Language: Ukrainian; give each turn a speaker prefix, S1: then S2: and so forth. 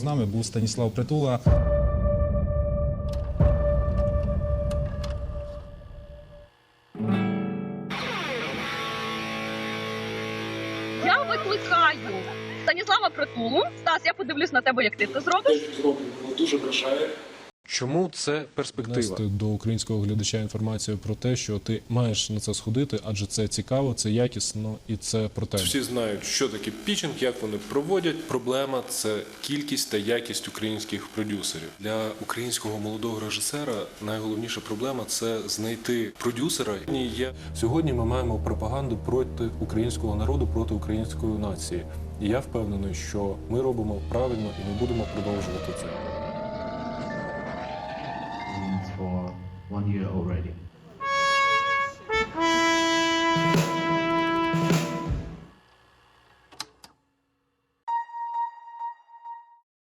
S1: З нами був Станіслав Притула.
S2: Я викликаю Станіслава Притулу. Стас, я подивлюсь на тебе, як ти це зробиш.
S3: Зроблено, воно дуже вражає.
S4: Чому це перспектива?
S1: Донести до українського глядача інформацію про те, що ти маєш на це сходити, адже це цікаво, це якісно і це про тебе.
S4: Всі знають, що таке пітчинг, як вони проводять. Проблема – це кількість та якість українських продюсерів. Для українського молодого режисера найголовніша проблема – це знайти продюсера. Сьогодні ми маємо пропаганду проти українського народу, проти української нації. І я впевнений, що ми робимо правильно і ми будемо продовжувати це.
S5: For 1 year already.